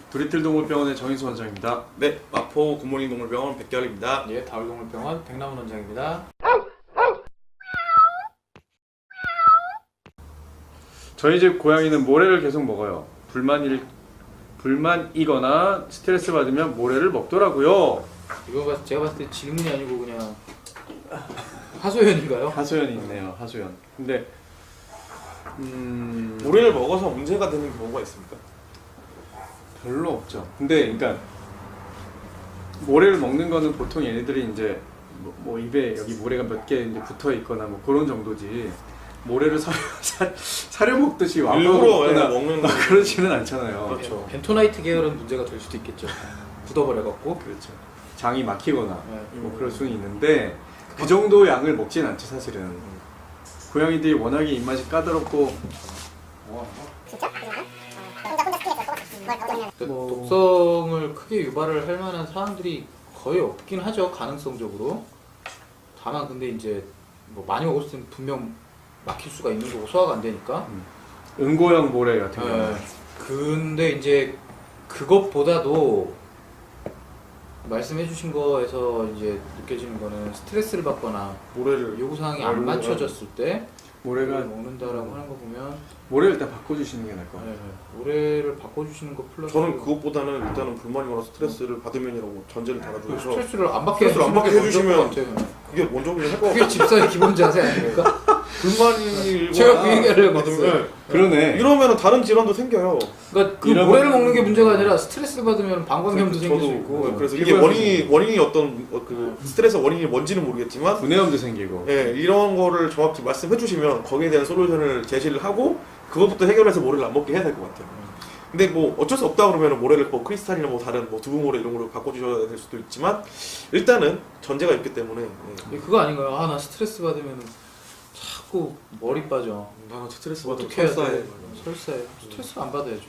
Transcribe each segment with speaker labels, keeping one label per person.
Speaker 1: 도리틀 동물병원의 정인수 원장입니다.
Speaker 2: 네, 마포 굿모닝 동물병원 백결입니다.
Speaker 3: 예, 다울동물병원 백남훈 원장입니다.
Speaker 1: 저희 집 고양이는 모래를 계속 먹어요. 불만이거나 스트레스 받으면 모래를 먹더라고요.
Speaker 3: 이거 제가 봤을 때 질문이 아니고 그냥 하소연인가요?
Speaker 1: 하소연이 있네요. 하소연. 근데
Speaker 2: 모래를 먹어서 문제가 되는 경우가 있습니까?
Speaker 1: 별로 없죠. 근데 그러니까 모래를 먹는 거는 보통 얘네들이 이제 뭐 입에 여기 모래가 몇 개 이제 붙어 있거나 뭐 그런 정도지. 모래를 사려 먹듯이 와서
Speaker 2: 일부러
Speaker 1: 먹거나
Speaker 2: 먹는
Speaker 1: 막 그러지는 않잖아요.
Speaker 3: 그렇죠. 벤토나이트 계열은 문제가 될 수도 있겠죠. 굳어버려갖고.
Speaker 1: 그렇죠. 장이 막히거나
Speaker 3: 네.
Speaker 1: 뭐 그럴 수는 있는데 그 정도 양을 먹진 않죠 사실은. 고양이들이 워낙에 입맛이 까다롭고
Speaker 3: 독성을 크게 유발을 할 만한 사항들이 거의 없긴 하죠. 가능성적으로. 다만 근데 이제 뭐 많이 먹었을 때는 분명 막힐 수가 있는 거고 소화가 안 되니까.
Speaker 1: 응고형 모래 같은 경우는
Speaker 3: 근데 이제 그것보다도 말씀해주신 거에서 이제 느껴지는 거는 스트레스를 받거나
Speaker 2: 모래를
Speaker 3: 요구 사항이 안 맞춰졌을 때
Speaker 1: 모래가
Speaker 3: 먹는다라고 하는 거 보면
Speaker 1: 모래를 일단 바꿔주시는 게 나을 것 같아요.
Speaker 3: 모래를 바꿔주시는 거 플러스
Speaker 2: 저는 그것보다는 일단은 불만이거나 스트레스를 받으면이라고 전제를 달아주셔서
Speaker 3: 스트레스를 안 받게
Speaker 2: 스트레스를 안 받게 해주시면
Speaker 3: 해주시면
Speaker 2: 그게 먼저 그냥 할것
Speaker 3: 그게
Speaker 2: 같아요.
Speaker 3: 집사의 기본 자세 아닙니까?
Speaker 2: 불만이거나
Speaker 3: 제가 그 얘기하려고
Speaker 2: 받으면
Speaker 3: 했어요.
Speaker 1: 그러네.
Speaker 2: 이러면 다른 질환도 생겨요.
Speaker 3: 그러니까 그
Speaker 1: 이러면-
Speaker 3: 모래를 먹는 게 문제가 아니라 스트레스 받으면 방광염도 생길 수 있고.
Speaker 2: 그래서 이게 원인이 어떤 그 스트레스 원인이 뭔지는 모르겠지만
Speaker 1: 분해염도 생기고.
Speaker 2: 예, 이런 거를 정확히 말씀해 주시면 거기에 대한 솔루션을 제시를 하고 그것부터 해결해서 모래를 안 먹게 해야 될 것 같아요. 근데 뭐 어쩔 수 없다 그러면 모래를 뭐 크리스탈이나 뭐 다른 뭐 두부 모래 이런 걸로 바꿔주셔야 될 수도 있지만 일단은 전제가 있기 때문에
Speaker 3: 그거 아닌가요? 아, 나 스트레스 받으면 자꾸 머리 빠져.
Speaker 2: 나는 스트레스 받으면
Speaker 3: 어떻게 해야
Speaker 2: 설사해.
Speaker 3: 돼? 설사해. 스트레스를 안 받아야죠.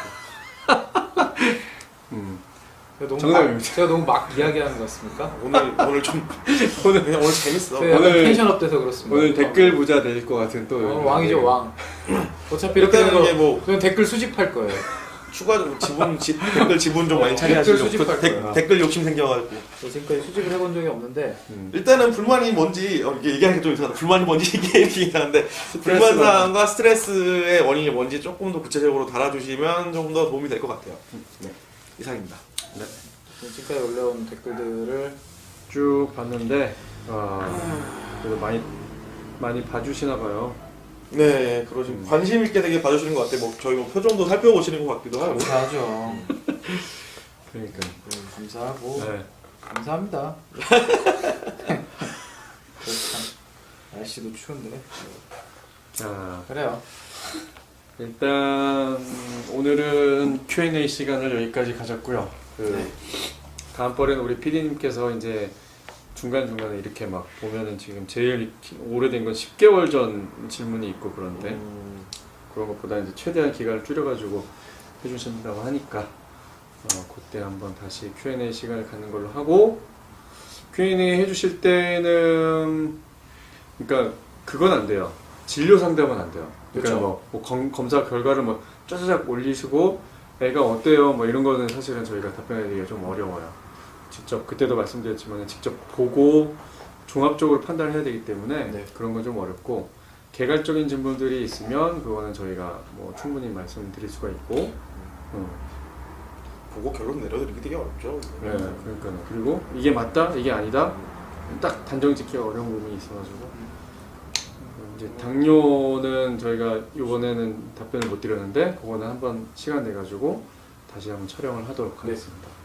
Speaker 1: 정답입니다.
Speaker 3: 제가 너무 막 이야기하는 것 같습니까?
Speaker 2: 오늘 좀 그냥 오늘 재밌어.
Speaker 3: 제가
Speaker 1: 오늘-
Speaker 3: 텐션 업돼서 그렇습니다.
Speaker 1: 오늘 댓글 부자 될 것 같은 또
Speaker 3: 왕이죠 왕. 어차피 이렇게
Speaker 2: 일단은
Speaker 3: 되는
Speaker 2: 이게
Speaker 3: 거
Speaker 2: 뭐
Speaker 3: 저는 댓글 수집할 거예요.
Speaker 2: 추가적으로 댓글 지분 좀 많이 차지하시려고
Speaker 3: 댓글 수집할 거야.
Speaker 2: 댓글 욕심 생겨가지고
Speaker 3: 저 지금까지 수집을 해본 적이 없는데
Speaker 2: 일단은 불만이 뭔지 이게 얘기하기 좀 이상하다. 불만이 뭔지 얘기하기 이상한데 불만사항과 스트레스의 원인이 뭔지 조금 더 구체적으로 달아주시면 조금 더 도움이 될 것 같아요. 네, 이상입니다.
Speaker 1: 네.
Speaker 3: 지금까지 올라온 댓글들을
Speaker 1: 쭉 봤는데 그래도 많이 봐주시나 봐요.
Speaker 2: 네, 그러시고 관심 있게 되게 봐주시는 것 같아요. 뭐 저희 뭐 표정도 살펴보시는 것 같기도 하고.
Speaker 3: 감사하죠.
Speaker 1: 그러니까.
Speaker 3: 감사하고
Speaker 1: 네.
Speaker 3: 감사합니다. 참 날씨도 추운데
Speaker 1: 자,
Speaker 3: 그래요.
Speaker 1: 일단 오늘은 Q&A 시간을 여기까지 가졌고요.
Speaker 3: 네.
Speaker 1: 다음번에는 우리 PD님께서 이제 중간중간에 이렇게 막 보면은 지금 제일 오래된 건 10개월 전 질문이 있고 그런데 그런 것보다 이제 최대한 기간을 줄여가지고 해주신다고 하니까 그때 한번 다시 Q&A 시간을 갖는 걸로 하고 Q&A 해주실 때는 그러니까 그건 안 돼요. 진료 상담은 안 돼요. 그러니까
Speaker 3: 그렇죠.
Speaker 1: 뭐 검사 결과를 뭐 짜자작 올리시고 애가 어때요? 뭐 이런 거는 사실은 저희가 답변하기가 좀 어려워요. 직접 그때도 말씀드렸지만 직접 보고 종합적으로 판단을 해야 되기 때문에
Speaker 3: 네.
Speaker 1: 그런 건 좀 어렵고 개괄적인 질문들이 있으면 그거는 저희가 뭐 충분히 말씀드릴 수가 있고
Speaker 2: 보고 결론 내려드리기 되게 어렵죠.
Speaker 1: 네, 그러니까요. 그리고 이게 맞다, 이게 아니다 딱 단정 짓기가 어려운 부분이 있어가지고 이제 당뇨는 저희가 이번에는 답변을 못 드렸는데 그거는 한번 시간 내 가지고 다시 한번 촬영을 하도록 하겠습니다.